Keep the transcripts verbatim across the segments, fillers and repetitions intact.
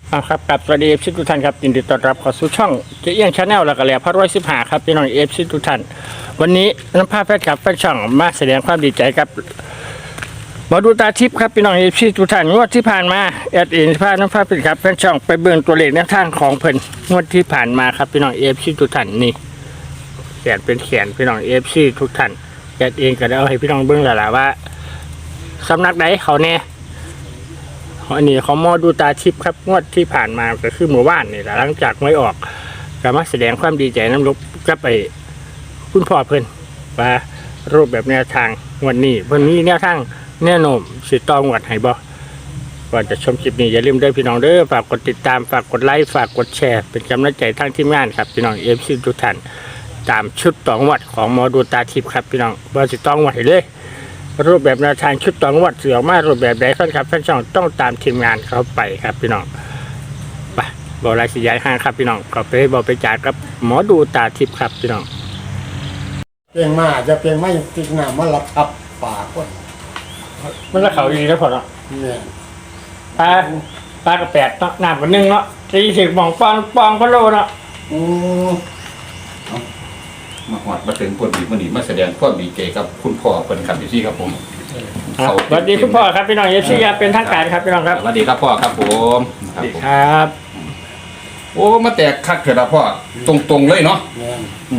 อ่าครับกับสวัสดีเอฟซีทุกท่านครับยินดีต้อนรับเข้าสู่ช่องเจียงชาแนลแล้วก็แหล่พัดร้อยสิบห้าครับพี่น้องเอฟซีทุกท่านวันนี้น้ำผ้าแฟนคลับแฟนช่องมาแสดงความดีใจครับมาดูตาทิพย์ครับพี่น้องเอฟซีทุกท่านงวดที่ผ่านมาแอดเอ็นผ้าน้ำผ้าแฟนคลับแฟนช่องไปเบิ่งตัวเลขแนวทางของเพิ่นงวดที่ผ่านมาครับพี่น้องเอฟซีทุกท่านนี่แขนเป็นแขนพี่น้องเอฟซีทุกท่านแอดเองก็ได้เอาให้พี่น้องเบิ่งแล้วล่ะว่าสำนักใดเขาแน่อันนี้เขาหมอดูตาทิพย์ครับงวดที่ผ่านมาก็คือเมื่อวานนี่แหละหลังจากไม่ออกก็มาแสดงความดีใจน้ำลบก็ไปคุณพ่อเพิ่นว่ารูปแบบแนวทางวันนี้วันนี้แนวทางแน่นอนสิตองวัดให้บ่ก่อนจะชมคลิปนี้อย่าลืมเด้อพี่น้องเด้อฝากกดติดตามฝากกดไลค์ฝากกดแชร์เป็นกำลังใจทางทีมงานครับพี่น้องเอฟซีทุกท่านตามชุดตองวัดของหมอดูตาทิพย์ครับพี่น้องว่าสิตองวัดให้เลยรูปแบบแนวทางชุดตองวัดเสือมารูปแบบใดขั้นครับแฟนช่องต้องตามทีมงานเข้าไปครับพี่น้องไปบอกรายสิย้ายห้างครับพี่น้องก็ไปบอกไปจ่ายกับหมอดูตาทิพย์ครับพี่น้องเพียงมาจะเพียงไม่ติดหน้ามารับทับป่าคนมันละเขาดีแล้วพอเนาะเนี่ยปลาปลากระแปดเนาะน้ำกันนึ่งเนาะสี่สิบมองปองปองพะโลเนาะอืมมาหอดมาถึงคนดีมันนี่มาแสดงความดีใจกับคุณพ่อเพิ่นครับอยู่ที่ครับผมสวัสดีคุณพ่อครับพี่น้องเอฟซีเป็นทางการครับพี่น้องครับสวัสดีครับพ่อครับผมสวัสดีครับโอ้มาแตกคักเถอะนะพ่อตรงๆเลยเนาะเนี่ย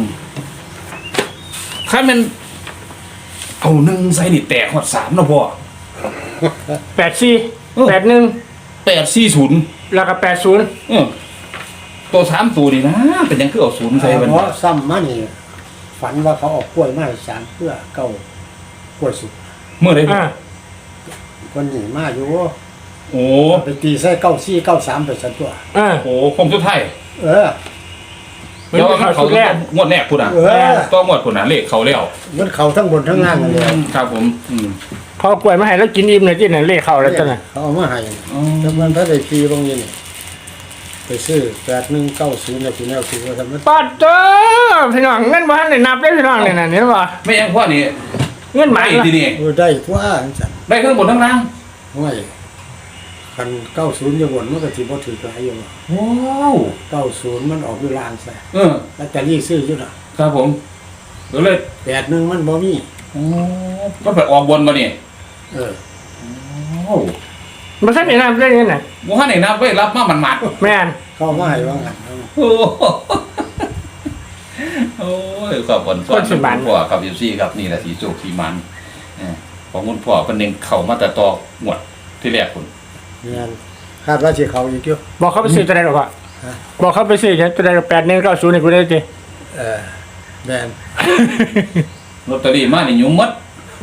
ถ้ามันเอาหนึ่งใส่นี่แตกหอดสามเนาะพ่อแปดสี่แปดหนึ่งแปดสี่ศูนย์แล้วก็แปดศูนย์เออตัวสามตัวนี่นะเป็นยังคือเอาศูนย์ใส่มันเพราะซ้ำมานี่ฝันว่าเขาเออกกล้วยมาให้สารเพื่อเก้ากล้วยสุกเมื่อไรอ่าคนหนีมาอยู่โอ้ไปตีใส่เก้าซี่เก้าสามไปสันตัวอ่าโหคงสุดท้ายเออมันเดี๋ยวเป็นเขาเขาชุดแรกงวดแรกพุ่นอ่ะเออต้องงวดพุ่นอ่ะเลขเขาแล้วมันเขาทั้งบนทั้งล่างกันเลยครับผมอืมเขาเอากล้วยมาให้แล้วกินอิ่มเลยที่ไหนเลขเขาแล้วจ้ะน่ะเขาเอามาให้อ๋อแต่มันถ้าได้ฟรีบางอย่างนี่ไปซื้อแปดหนึ่งเก้าศูนย์แล้วคุณแนวซื้อว่าทำไมปัดเจ้าพี่น้องเงินบ้านได้นับได้พี่น้องเนี่ยนะเนี่ยว่าไม่ยังพ่อนี่เงินหไม่มายทีนี่เออได้ทั่วจังได้ทั้งบนทั้งล่างไม่คันเก้าศูนย์จะวนมันก็ถือว่าถือหลายอยู่ว้าวเก้าศูนย์มันออกอยู่ลางใส่เออลอตเตอรี่ซื้ออยู่น่ะครับผมก็เลยแปดหนึ่งมันบ่มีโอ้ก็ไปออกบนมาเนี่ยเออโอ้มันขั้นไหนนับได้เงินน่ะบุหันไหนนับไว้รับมามันหมัดแม่นเข้ามาให้ว่างั้นโอ้โอ้ยขอบคุณพ่อคุณพ่อครับยูซี่ครับนี่แหละสีโจกสีมันเออของคุณพ่อเป็นเองเข่ามาแต่ตอหมวดที่แรกคุณเนี่ยคาดว่าสิเขาอีกอยู่บอกเขาไปซื้อตัวใดหรอกวะฮะบอกเขาไปซื้อเนี่ยตัวใดแปดหนึ่งเก้าศูนย์นี่กูได้จีเออแมนลอตเตอรี่มานี่ยุ่มมัด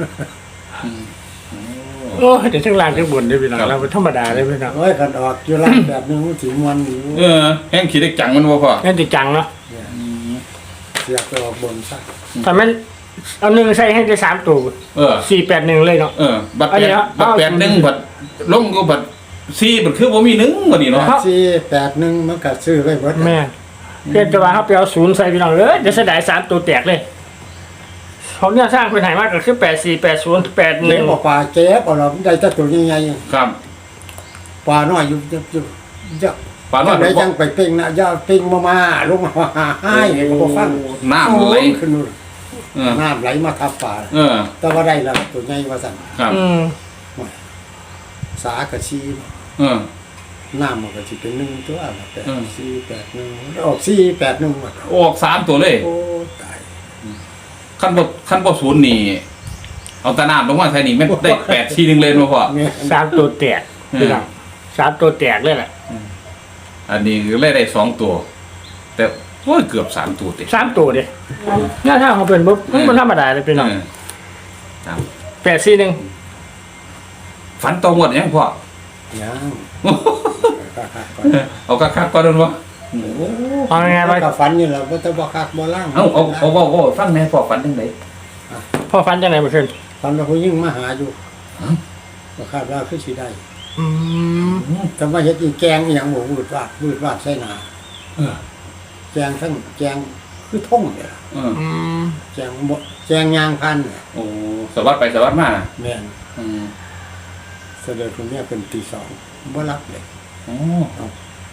โอ้เดี๋ยวทั้งลานทั้งบนได้พี่น้องเราเป็นธรรมดาเลยพี่น้องโอ้ยคันออกอยู่ล่างแบบหนึงมันสิมวนอยู่เออแห้งขีดเล็กจังมันว่าพ่อนั่นติจังเนาะเสียกไปออกบนซะแต่มันเอาหนึ่งใส่ให้ได้สามตัวเออสี่แปดหนึ่งเลยเนาะเออ บัตรอันแปนี้ดเอาบัตรแปดหนึ่งบัตรลงก็บัตรสี่บัตรคือว่ามีหนึ่งวันนี้เนาะสี่แปดหนึ่งมันก็ซื้อไว้หมดแม่เพียงแต่ว่าเขาไปเอาศูนย์ใส่พี่น้องเลยจะเสียดายสามตัวแตกเลยเขาเนี่ยสร้างเป็นไหนมากก็คือแปดสี่แปดศูนย์แปดหเลี้นึ่ยงงบอกปลาเจ๊บเอาเราได้แต่ตัวใหญ่ครับๆปลาน้อยอยู่อยู่อยู่จะปานว่าได้จังไปเป่งนะอย่าเป่งมามาลงมาหาให้ก็บ่ฟังน้ำไหลขึ้นนู่นเออน้ำไหลมาทับปลาเออแต่ว่าได้แล้วตัวใหญ่ว่าสั่นครับอืมสากระชีเออน้ำมันก็สิเป็นหนึ่งตัวละแปดอืมสี่แปดหนึ่งออกสี่แปดหนึ่งหมดออกสามตัวเลยโอ้ตายขั้นบขั้นบศูนย์นี่ เอาตะนามลงมาใส่นี่แม่นได้แปดทีหนึ่งเลยมาพ่อแม่สามตัวแตกพี่น้องสามตัวแตกเลยแหละอันนี้คือได้ได้สองตัว แต่โอ้ยเกือบสามตัวติสามตัวเดียหน้าทางเขาเป็นปุ๊บมันธรรมดาเลยพี่น้องเออครับแปดสี่หนึ่งฝันตรงหมดยังพ่อยังคักๆก่อนเอาคักๆก่อนด้วยวะเอาไงมัมานก็ฝันอยู่แล้วว่าจะบ่คักบ่ล่างเอาเอาเอาเอาเอาฟังแน่พ่อฝันยังไงพ่อฟันจังไหนเมื่อคืนฝันว่าผู้หญิงมาหาอยู่ก็คาดว่าคือสิได้อืมแต่ว่าเฮ็ดอีแกงอีหยังบ่วืดวาดวืดวาดใส่หน้าเออแกงทั้งแกงคือท่งเนี่ยล่ะเอออืมแกงบ่แกงยางพันเนี่ยโอ้สวัสดไปสวัสดมาแม่นอืมเสด็จคุณแม่เป็นตีสองบ่รับเลยโอ้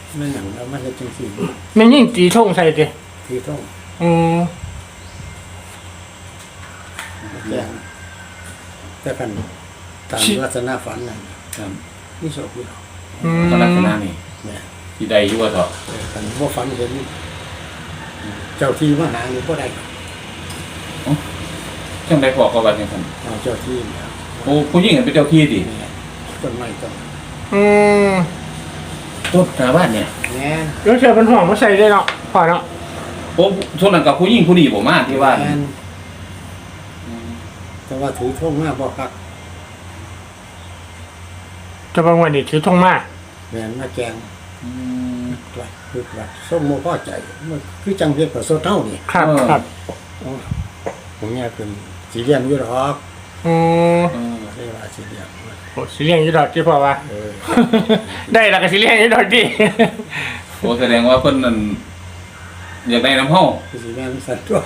ไม่หนังแล้วมันจะจังสี่แม่ยิ่งตีท่งใส่ดิถือท่งอืมแจ้งแต่กันตามลักษณะฝันนั่นครับนี่โชคดีอืมก็ลักษณะนี่เนี่ยที่ใดอยู่ว่าเถอะแต่กันว่าฝันเห็นเจ้าที่มาหาหรือบ่ได้จังไดพอก็ว่าจังซั่นเอาเจ้าที่เนี่ยโอ้ผู้หญิงเป็นเจ้าที่ดิเนี่ยต้นไม้ต้นอืมต้นหน้าบ้านเนี่ยแง่แล้วเชื่อเป็นห่วงมาใส่ได้เนาะพอเนาะโอ้ช่วงนั้นกับผู้หญิงผู้นี้บ่มาที่ว่าแง่แต่ว่าถือท่งมากบ่คักจะบางวันนี้ถือท่งมากแม่นมาแกงอืมตรวจคือตรวจส้มโมพ่อใจมันคือจังเฮ็ดกับโซเท่านี่ครับเออครับอ๋อผมเนี่ยคือสีเลี้ยงอยู่หรอกอืมเออเรียกว่าสีเลี้ยงโอ้สิเลี้ยงอยี่ดอกที่พอว่าเออได้แล้วก็สิเลี้ยงอยี่ดอกดิโอ้แสดงว่าเพิ่นนั่นอยากได้น้ำเฮาคือสีแม่นสัตว์ตัว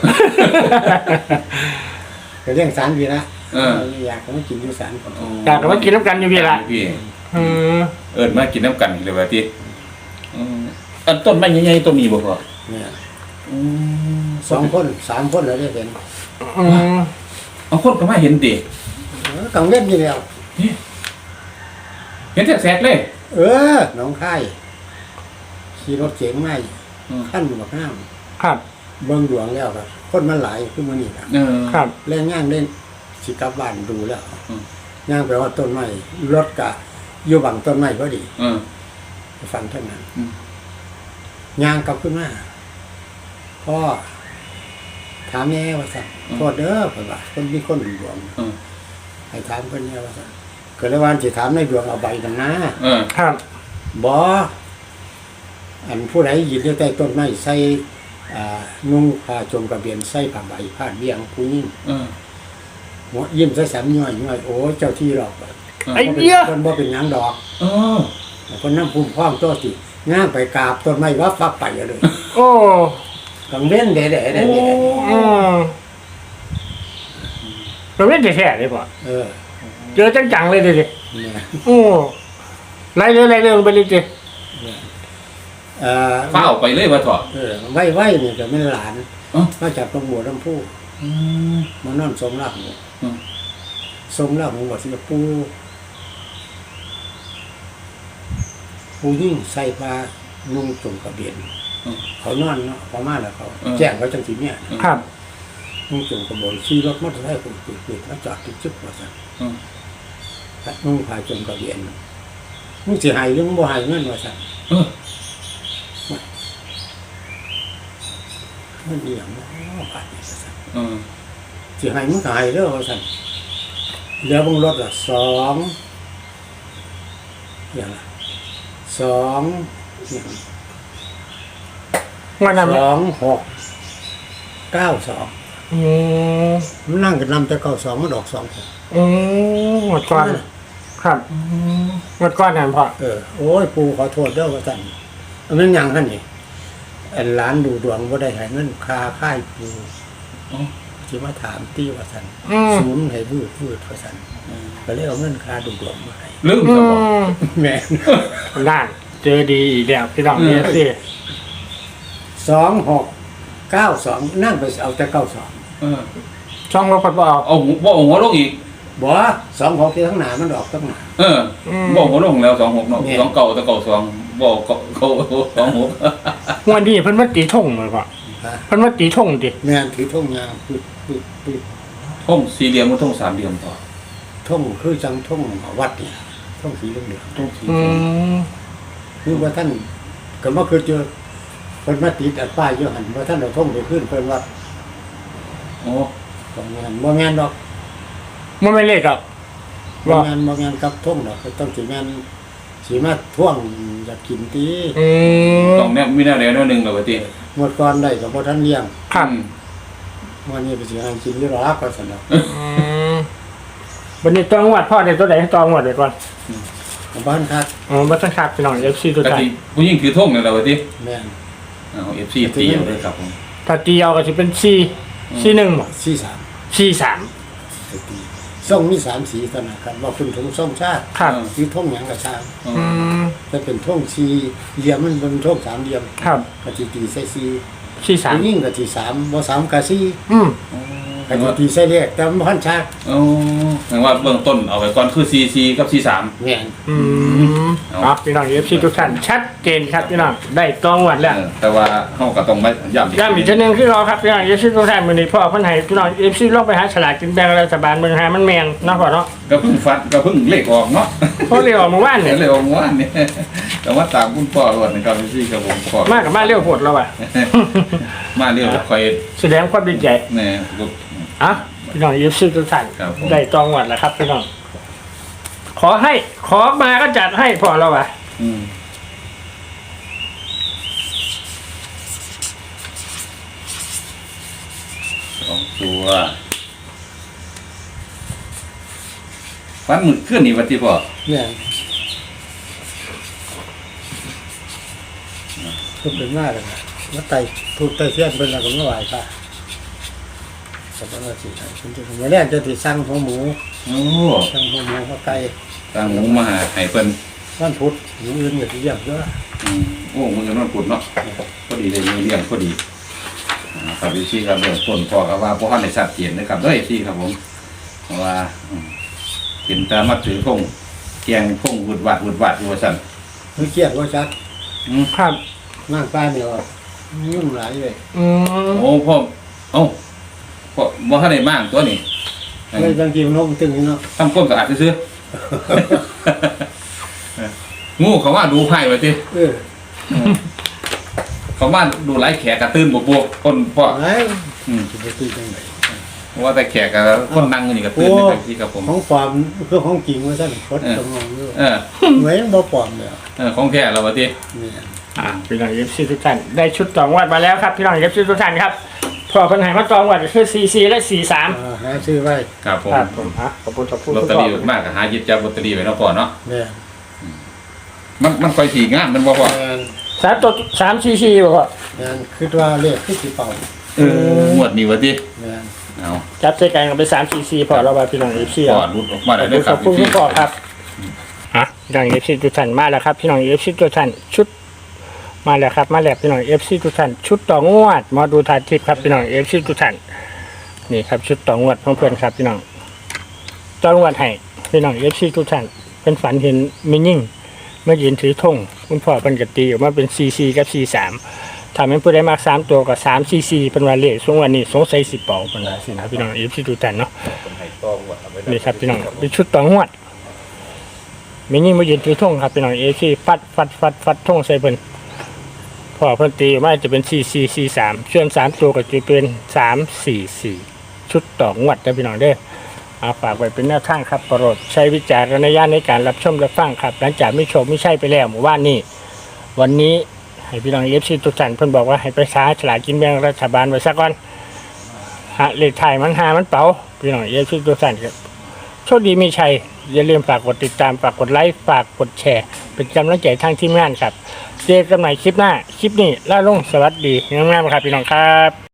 ก็เลี้ยงสารพี่นะเอออยากก็มากินอยู่สารก่อนอยากจะมากินน้ำกันอยู่พี่ละพี่อืมเอิ้นมากินน้ำกันเลยว่าติอืมอันต้นไม้ใหญ่ๆต้นนี้บ่พอเนี่ยอืมสองคนสามคนเราได้เห็นอืมเอาคนก็มาเห็นติเออกังเล่นอยู่แล้วเห็นแสกๆเลยเออน้องค่ายขี่รถเก๋งมาอืมขั้นบักห้ามครับเบิ่งดวงแล้วครับคนมันหลายขึ้นมานี่นะเออครับเล่นย่างเล่นสิกลับบ้านดูแล้วอืมย่างไปว่าต้นไม้รถกะอยู่บังต้นไม้พอดีเออฟันเท่านั้นอืมย่างกลับขึ้นมาพ่อถามแม่ว่าสั่นพ่อเด้อเพิ่นว่าคนมีคนดวงเออให้ถามเพิ่นแม่ว่าสั่นก็เลยว่าสิถามในดวงเอาใบนั่นนะเออครับบ่อันผู้ใดยืนอยู่ใต้ต้นไม้ใส่อ่านุ่งผ้าโจมกระเบียนใส่ผ้าใบผ้าเบี้ยงผู้หญิงเออหัวยิ้มใส่สามย่อยย่อยโอ้เจ้าที่หรอกไอ้เหี้ยเพิ่นบ่เป็นหยังดอกเออเพิ่นนำภูมิพร้อมตัวสิย่างไปกราบต้นไม้ว่าฟักไปเลยโอ้กังเว้นเด้ๆเด้อืมเราเล่นแท้ๆเลยป่ะเออเจอจังๆเลยดิดิเนี่ยโอ้ไล่เรื่องไล่เรื่องไปเลยดิเอ่อฟ้าเอาไปเลยว่าเถอะเออไว้ไว้เนี่ยก็เป็นหลานเอ้ามาจากตรงบัวลำพูอืมมานอนสมรักหมูอืมสมรักหมูบอกสิปูปูยิ่งใส่ผ้านุ่งจงกระเบียนอืมเขานอนเนาะเขามาแล้วเขาอืมแจ้งเขาจังสีเนี่ยครับนุ่งจงกระเบนขี่รถมอเตอร์ไซค์คนปิดปิดแล้วจอดติดจุดว่าสั่นอืมนุ่งผ้าจงกระเบียนมึงสิหายหรือมึงบ่หายเงินว่าสั่นเออมันเอียงเนาะบาดนี้ว่าสั่นเออสิหายมึงก็หายเด้อว่าสั่นเหลือบงรถละสองอย่างละสองอย่างวันนั้นสองหกเก้าสองอืมมันนั่งกันนำแต่เก้าสองมันออกสองหกอืมหมดก่อนครับหมดก่อนนั่นพอเออโอ้ยปูขอโทษเด้อว่าสั่นอันนั้นหยังคั่นนี่อันร้านดูดวงบ่ได้ให้เงินคาค่ายปูอ๋อสิมาถามตี้ว่าสั่นอืมศูนย์ให้วืดวืดว่าสั่นก็เลยเอาเงินคาดูดวงมาให้ลืมอืซะบ่มแม่นนั่นเจอดีอีกแล้วพี่น้องเนี่ยสิสองหกเก้าสองนั่งไปเอาแต่เก้าสองเออช่องรถพัดบ่เอาเอาหัวบ่เอาหัวลงอีกบ่สองหกที่ทั้งหนามันออกทั้งหนาเออบ่เอาหัวลงแล้วสองหกเนาะเนี่ยสองเก่าแต่เก่าสองบ่เก่าเก่าสองหกวันนี้เพิ่นมาตีท่งเลยป่ะฮะเพิ่นมาตีท่งดิแม่นถือท่งยาวปึ๊ดปึ๊ดปึ๊ดท่งสี่เหลี่ยมมันท่งสามเหลี่ยมต่อท่งคือจังท่งวัดเนี่ยท่งสีเหลืองท่งสี่อืเหลี่ยมมๆคือว่าท่านก็มาคือเจอเพิ่นมาติดอัดป้ายอยู่หันว่าท่านเอาท่งไปขึ้นเพิ่นว่าโอ้บ่แม่นบ่แม่นดอกมันไม่เล็กอ่ะบ่บ่แม่นบ่แม่นกับท่งดอกก็ต้องสิแม่นสิมาท่วงอยากกินตีอืมต้องแนบมีแนวแนวหนึงแล้วว่าติหมดก่อนได้ก็บ่ทันเลี้ยงครับอืมวันนี้ไปสิให้กินอยู่หรอกก็ซั่นดอกอืมวันนี้ต้องวัดพ่อในตัวไหนให้ต้องวัดเดี๋ยวก่อนบ้านคักอ๋อมาตั้งคักพี่น้องเอฟซีตัวกะใจทิผู้หญิงถือท่งนั่นแหละว่าติแม่นเอา เอฟ ซี ตีเอาเลยครับผมถ้าตีเอาก็จะเป็นซีซีหนึ่งบ่สี่สามซีสามไปตีส่งมีสามสีเท่านั้นครับว่าคุณถึงส่งชาติครับหรือท่งหยังกระชางอืมจะเป็นท่งสีเหลี่ยมมันเป็นท่งสามเหลี่ยมครับกะทิตีใส่สีสี่สามผู้ยิ่งกะทิสามบ่สามกะสีอืมกะทิตีใส่เลขแต่มันพันชากโอ้แปลว่าเบื้องต้นเอาไว้ก่อนคือ ซี ซี กับ ซี สามแม่นอืมครับพี่น้องเอฟซีทุกท่านชัดเจนครับพี่น้องได้ตรงวัดแล้วเออแต่ว่าเฮาก็ต้องมาย้ำย้ำอีกทีหนึงคือเราครับพี่น้องเอฟซีทุกท่านมื้อนี้พ่อเพิ่นให้พี่น้องเอฟซีลองไปหาฉลากกินแบ่งรัฐบาลเมืองหามันแม่นเนาะพ่อเนาะก็เพิ่งฟัดก็เพิ่งเลขออกเนาะเพราะเร็วออกเมื่อวานเห็เนี่ยนเลยว่าเมื่อวานนี่ แต่ว่าตามคุณพ่อรวดนะครับพี่กับผมพ่อมากกับมาเร็วโหดแล้วอ่ะมาเรียกคอยแสดงความดีใจแน่ลูกอ่ะพี่น้องเอฟซีทุกท่านครับผมได้ตรงวัดแล้วครับพี่น้องขอให้ขอมาก็จัดให้พ่อเราอ่ะอืมสองตัวฟันหมึกขึ้นนี่วันที่พ่อแม่นก็เป็นมากเลยนะมาไต่ถูกไต่เสี้ยนเป็นอะไรก็ไม่ไหวค่ะสัปดาห์ที่ไหนคุณจะมาแรกจะติดสั่งหัวหมูโอ้สั่งหัวหมูหัวไก่ตางหมูมาหาไห้เปิ้นวันพุธหมูอื่นก็ที่เยี่ยมเยอะอืมโอ้มึงจะนอนปุดเนาะพอดีเลยมีเลี้ยงพอดีอ่าครับพี่ครับเรื่องต้นพ่อครับว่าพ่อในชัดเจนนะครับเด้อพี่ครับผมเพราะว่าอืมเห็นตามาถือพงแกงพงวุดวัดวุดวัดอยู่ว่าซั่นมันเครียดว่าชัดอืมครับมากป้าเนี่ยยุ่งหลายเลยอืมโอ้พ่อเอ้าพ่อบ่ทันได้มากตัวนี้เลยบางทีมันนกตึงนี่เนาะทำความสะอาดซื่อๆ งูเขาว่าดูไพ่ไว้ติเออเขาว่าดูไล่แขกกระตื้นบวกๆคนพ่อไหนอืมจะไปตีจังไหนว่าแต่แขกกับคนนั่งอยู่นี่กระตื้นในทางที่กับผมของปลอมคือของจริงว่าท่านคดตรงงอยู่เออเหมือนบ่ปลอมเลยเออของแท้เราว่าติเนี่ยอ่ะพี่น้องเอฟซีทุกท่านได้ชุดตองวัดมาแล้วครับพี่น้องเอฟซีทุกท่านครับพ่อเพิ่นให้มาตองวัดคือซีซีและสี่สามอ่าหาซื้อไว้ครับผมครับผมอ่ะขอบคุณขอบคุณลอตทุกเตอท่ารี่นมากก็หาหยิบจับลอตเตอรี่ไว้เนาะพ่อเนาะเนี่ยมันมันค่อยถี่งามมันบ่พ่อแม่นสามตัวสามซีซีบอกว่าแม่นคิดว่าเลขคือสิเป่าเอองวดนี้ว่าติแม่นเอาจับใส่กันกันไปสามซีซีพอเราไปพี่น้องเอฟซีพ่อรุดออกมาได้เลยคขรัอบบคุณคุณพ่อครับอ่ะพี่น้องเอฟซีทุกท่านมาแล้วครับพี่น้องเอฟซีทุกท่านชุดมาแล้วครับมาแล้วพี่น้องเอฟซีทุกท่านชุดต่องวดมาดูทานทิพย์ครับพี่น้องเอฟซีทุกท่านนี่ครับชุดต่องวดเพื่อนๆครับพี่น้องต่องวดให้พี่น้องเอฟซีทุกท่านเป็นฝันเห็นมิยิ่งเมื่อยืนถือธงคุณพ่อเป็นกตีออกมาเป็นซีซีกับซีสามทำให้ผู้ได้มากสามตัวกับสามซีซีเป็นวันเละช่วงวันนี้สงสัยสิเป่าเป็นไรสินะพี่น้องเอฟซีทุกท่านเนาะนี่ครับพี่น้องเป็นชุดต่องวดมิยิ่งเมื่อยืนถือธงครับพี่น้องเอฟซีฟัดฟัดฟัดฟัดธงใส่เพิ่นพ่อเพิ่นตีออกมาจะเป็นซีซีซีสามส่วนสามตัวก็จะเป็นสามสี่สี่ชุดต่องวดนะพี่น้องเด้อ เอาฝากไว้เป็นแนวทางครับโปรดใช้วิจารณญาณในการรับชมรับฟังครับ หลังจากไม่ชมไม่ใช่ไปแล้วหมู่บ้านนี้วันนี้ให้พี่น้องเอฟซีทุกท่านเพิ่นบอกว่าให้ไปช้าฉลากกินแบ่งรัฐบาลไว้ซะก่อนฮะเลขไทายมันหามันเป๋าพี่น้องเอฟซีทุกท่านครับโชคดีมีชัยอย่าลืมฝากกดติดตามฝากกดไลค์ฝากกดแชร์เป็นกำลังใจทางทีมงานครับเจอกันใหม่คลิปหน้าคลิปนี้ล่าลงสวัสดีงามๆครับพี่น้องครับ